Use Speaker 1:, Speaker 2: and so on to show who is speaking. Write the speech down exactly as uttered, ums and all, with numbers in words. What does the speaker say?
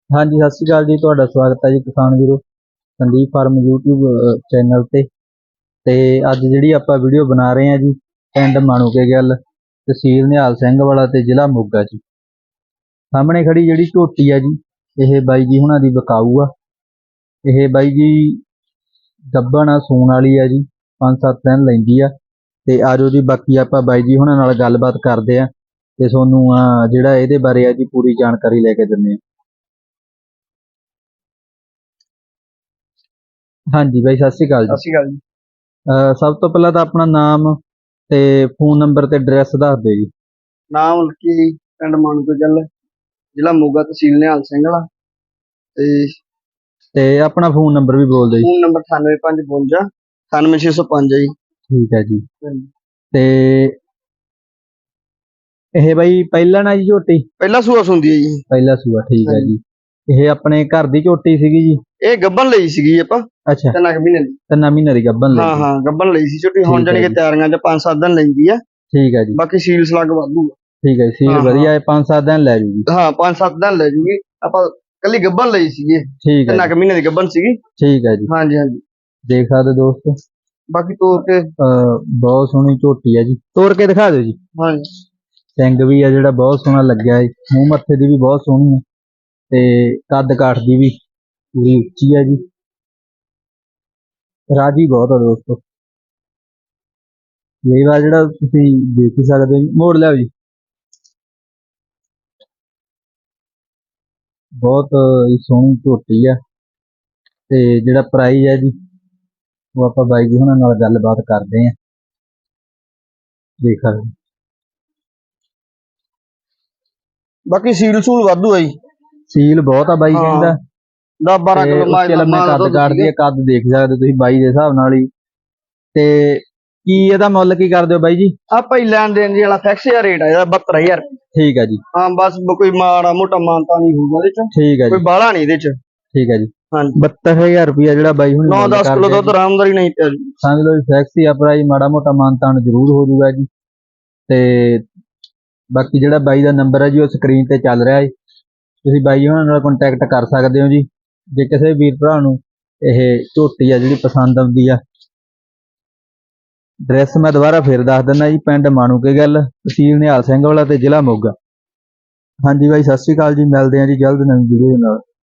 Speaker 1: ਹਾਂਜੀ ਸਤਿ ਸ਼੍ਰੀ ਅਕਾਲ ਜੀ। ਤੁਹਾਡਾ ਸਵਾਗਤ ਹੈ ਜੀ ਕਿਸਾਨ ਵੀਰੋ ਸੰਦੀਪ ਫਾਰਮ YouTube ਚੈਨਲ ਤੇ ਤੇ ਅੱਜ ਜਿਹੜੀ ਆਪਾਂ ਵੀਡੀਓ ਬਣਾ ਰਹੇ ਹਾਂ ਜੀ ਪਿੰਡ ਮਾਣੂਕੇ ਗੱਲ ਤਹਿਸੀਲ ਨਿਹਾਲ ਸਿੰਘ ਵਾਲਾ ਤੇ ਜ਼ਿਲ੍ਹਾ ਮੋਗਾ ਜੀ। ਸਾਹਮਣੇ ਖੜੀ ਜਿਹੜੀ ਝੋਟੀ ਆ ਜੀ ਇਹ ਬਾਈ ਜੀ ਹੁਣਾਂ ਦੀ ਵਿਕਾਊ ਆ। ਇਹ ਬਾਈ ਜੀ ਗੱਭਣ ਆ, ਸੂਣ ਵਾਲੀ ਆ ਜੀ, ਪੰਜ ਸੱਤ ਦਿਨ ਲੈਂਦੀ ਆ। ਤੇ ਆਜੋ ਜੀ ਬਾਕੀ ਆਪਾਂ ਬਾਈ ਜੀ ਹੁਣਾਂ ਨਾਲ ਗੱਲਬਾਤ ਕਰਦੇ ਆ ਤੇ ਤੁਹਾਨੂੰ ਜਿਹੜਾ ਇਹਦੇ ਬਾਰੇ ਆ ਜੀ ਪੂਰੀ ਜਾਣਕਾਰੀ ਲੈ ਕੇ ਦਿੰਦੇ ਆ। ਹਾਂਜੀ ਬਾਈ ਸਤਿ ਸ਼੍ਰੀ ਅਕਾਲ
Speaker 2: ਸਤਿ
Speaker 1: ਜੀ।
Speaker 2: ਸ਼੍ਰੀ ਅਕਾਲ ਜੀ।
Speaker 1: ਅਹ ਸਭ ਤੋਂ ਪਹਿਲਾਂ ਤਾਂ ਆਪਣਾ ਨਾਮ ਤੇ ਫੋਨ ਨੰਬਰ ਤੇ ਐਡਰੈਸ ਦੱਸ ਦਿਓ ਜੀ।
Speaker 2: ਨਾਮ ਲਕੀ, ਪਿੰਡ ਮਾਣੂਕੇ ਗੱਲ, ਜ਼ਿਲ੍ਹਾ ਮੋਗਾ, ਤਹਿਸੀਲ ਨਿਹਾਲ ਸਿੰਘ ਵਾਲਾ ਤੇ
Speaker 1: ਤੇ ਆਪਣਾ ਫੋਨ ਨੰਬਰ ਵੀ ਬੋਲ ਦਿਓ ਜੀ।
Speaker 2: ਫੋਨ ਨੰਬਰ ਅਠਾਨਵੇਂ ਪੰਜ ਬਵੰਜਾ ਅਠਾਨਵੇਂ ਛੇ ਸੌ ਪੰਜ ਹੈ ਜੀ।
Speaker 1: ਠੀਕ ਹੈ ਜੀ। ਤੇ ਇਹ ਬਾਈ ਪਹਿਲਾਂ ਨਾ ਜੀ ਝੋਟੀ
Speaker 2: ਪਹਿਲਾ ਸੂਆ ਸੁੰਦੀ ਹੈ ਜੀ।
Speaker 1: ਪਹਿਲਾ ਸੂਆ, ਠੀਕ ਹੈ ਜੀ। ਇਹ ਆਪਣੇ ਘਰ ਦੀ ਝੋਟੀ ਸੀਗੀ ਜੀ?
Speaker 2: ਇਹ ਗੱਬਨ ਲਈ ਸੀਗੀ ਆਪਾਂ।
Speaker 1: ਅੱਛਾ,
Speaker 2: ਤਿੰਨ ਕੁ ਮਹੀਨੇ ਦੀ।
Speaker 1: ਤਿੰਨ ਮਹੀਨੇ ਦੀ ਗੱਬਨ ਲਈ?
Speaker 2: ਹਾਂ ਹਾਂ ਗੱਬਨ ਲਈ ਸੀ ਝੋਟੀ। ਹੁਣ ਜਾਨੀ ਕਿ ਤਿਆਰੀਆਂ ਚ ਪੰਜ ਸੱਤ ਦਿਨ ਲੈਂਦੀ ਆ।
Speaker 1: ਠੀਕ ਹੈ ਜੀ।
Speaker 2: ਬਾਕੀ ਸੀਲ ਸਲੱਗ ਵਾਧੂ।
Speaker 1: ਠੀਕ ਹੈ, ਸੀਲ ਵਧੀਆ ਹੈ, ਪੰਜ ਸੱਤ ਦਿਨ ਲੈ ਜੂਗੀ।
Speaker 2: ਹਾਂ ਪੰਜ ਸੱਤ ਦਿਨ ਲੈ ਜੂਗੀ। ਆਪਾਂ ਕੱਲੀ ਗੱਬਨ ਲਈ ਸੀਗੀ।
Speaker 1: ਠੀਕ ਹੈ,
Speaker 2: ਤਿੰਨ ਕੁ ਮਹੀਨੇ ਦੀ ਗੱਬਨ ਸੀਗੀ।
Speaker 1: ਠੀਕ ਹੈ ਜੀ।
Speaker 2: ਹਾਂਜੀ ਹਾਂਜੀ
Speaker 1: ਦੇਖ ਸਕਦੇ ਦੋਸਤੋ,
Speaker 2: ਬਾਕੀ ਤੋੜ ਕੇ
Speaker 1: ਬਹੁਤ ਸੋਹਣੀ ਝੋਟੀ ਹੈ ਜੀ। ਤੋੜ ਕੇ ਦਿਖਾ ਦਿਓ ਜੀ।
Speaker 2: ਹਾਂਜੀ
Speaker 1: ਸਿੰਘ ਵੀ ਆ ਜਿਹੜਾ ਬਹੁਤ ਸੋਹਣਾ ਲੱਗਿਆ ਹੈ, ਮੂੰਹ ਮੱਥੇ ਦੀ ਵੀ ਬਹੁਤ ਸੋਹਣੀ ਹੈ ਤੇ ਕੱਦ ਕਾਠ ਦੀ ਵੀ ਪੂਰੀ ਉੱਚੀ ਹੈ ਜੀ। ਰਾਜੀ ਬਹੁਤ ਆ ਦੋਸਤੋ। ਲੇਵਾ ਜਿਹੜਾ ਤੁਸੀਂ ਦੇਖ ਹੀ ਸਕਦੇ ਹੋ। ਮੋੜ ਲਿਆਓ ਜੀ। ਬਹੁਤ ਸੋਹਣੀ ਝੋਟੀ ਆ ਤੇ ਜਿਹੜਾ ਪ੍ਰਾਈਜ਼ ਹੈ ਜੀ ਉਹ ਆਪਾਂ ਬਾਈ ਜੀ ਹੁਣਾਂ ਨਾਲ ਗੱਲਬਾਤ ਕਰਦੇ ਆਂ। ਦੇਖ ਸਕਦੇ
Speaker 2: ਬਾਕੀ ਸੀਲ ਸੂਲ ਵਾਧੂ ਆ ਜੀ।
Speaker 1: ਸੀਲ ਬਹੁਤ ਆ ਬਾਈ ਕਹਿੰਦਾ।
Speaker 2: ਦਸ ਬਾਰਾਂ ਕਿਲੋ ਮਾਲ
Speaker 1: ਕੱਦ ਕਾਟਦੀ ਆ, ਕੱਦ ਦੇਖ ਸਕਦੇ ਤੁਸੀਂ ਬਾਈ ਦੇ ਹਿਸਾਬ ਨਾਲ ਹੀ। ਤੇ ਕੀ ਇਹਦਾ ਮੁੱਲ ਕੀ ਕਰਦੇ ਹੋ ਬਾਈ ਜੀ?
Speaker 2: ਆਪਾਂ ਹੀ ਲੈਣ ਦੇਣ ਦੀ ਵਾਲਾ ਫਿਕਸ ਜਿਹਾ ਰੇਟ ਆ ਇਹਦਾ ਬਹੱਤਰ ਹਜ਼ਾਰ।
Speaker 1: ਠੀਕ ਹੈ ਜੀ।
Speaker 2: ਹਾਂ ਬਸ ਕੋਈ ਮਾੜਾ ਮੋਟਾ ਮਾਨਤਾ ਨਹੀਂ ਹੋਊਗਾ ਇਹਦੇ ਚ।
Speaker 1: ਠੀਕ ਹੈ ਜੀ।
Speaker 2: ਕੋਈ ਬਾਹਲਾ ਨਹੀਂ ਇਹਦੇ ਚ।
Speaker 1: ਠੀਕ ਹੈ ਜੀ।
Speaker 2: ਹਾਂਜੀ
Speaker 1: ਬਹੱਤਰ ਹਜ਼ਾਰ ਰੁਪਇਆ ਜਿਹੜਾ ਬਾਈ ਹੁਣ
Speaker 2: ਨੌ ਦਸ ਕਿਲੋ ਦੁੱਧ ਆਰਾਮਦਾਰੀ ਨਹੀਂ ਪਿਆ ਜੀ।
Speaker 1: ਸਮਝ ਲਓ ਫਿਕਸ ਹੀ ਆ ਪ੍ਰਾਈਸ, ਮਾੜਾ ਮੋਟਾ ਮਾਨਤਾਨ ਜ਼ਰੂਰ ਹੋ ਜਾਊਗਾ ਜੀ। ਤੇ ਬਾਕੀ ਜਿਹੜਾ ਬਾਈ ਦਾ ਨੰਬਰ ਹੈ ਜੀ ਉਹ ਸਕਰੀਨ ਤੇ ਚੱਲ ਰਿਹਾ ਹੈ, ਤੁਸੀਂ ਬਾਈ ਉਹਨਾਂ ਨਾਲ ਕੰਟੈਕਟ ਕਰ ਸਕਦੇ ਹੋ ਜੀ। ਜੇ ਕਿਸੇ ਵੀਰ ਭਰਾ ਨੂੰ ਇਹ ਝੋਟੀ ਆ ਜਿਹੜੀ ਪਸੰਦ ਆਉਂਦੀ ਆ। ਐਡਰੈਸ ਮੈਂ ਦੁਬਾਰਾ ਫਿਰ ਦੱਸ ਦਿੰਦਾ ਜੀ, ਪਿੰਡ ਮਾਣੂਕੇ ਗੱਲ, ਤਹਿਸੀਲ ਨਿਹਾਲ ਸਿੰਘ ਵਾਲਾ ਤੇ ਜ਼ਿਲ੍ਹਾ ਮੋਗਾ। ਹਾਂਜੀ ਬਾਈ ਸਤਿ ਸ਼੍ਰੀ ਅਕਾਲ ਜੀ, ਮਿਲਦੇ ਹਾਂ ਜੀ ਜਲਦ ਨਵੀਂ ਵੀਡੀਓ ਨਾਲ।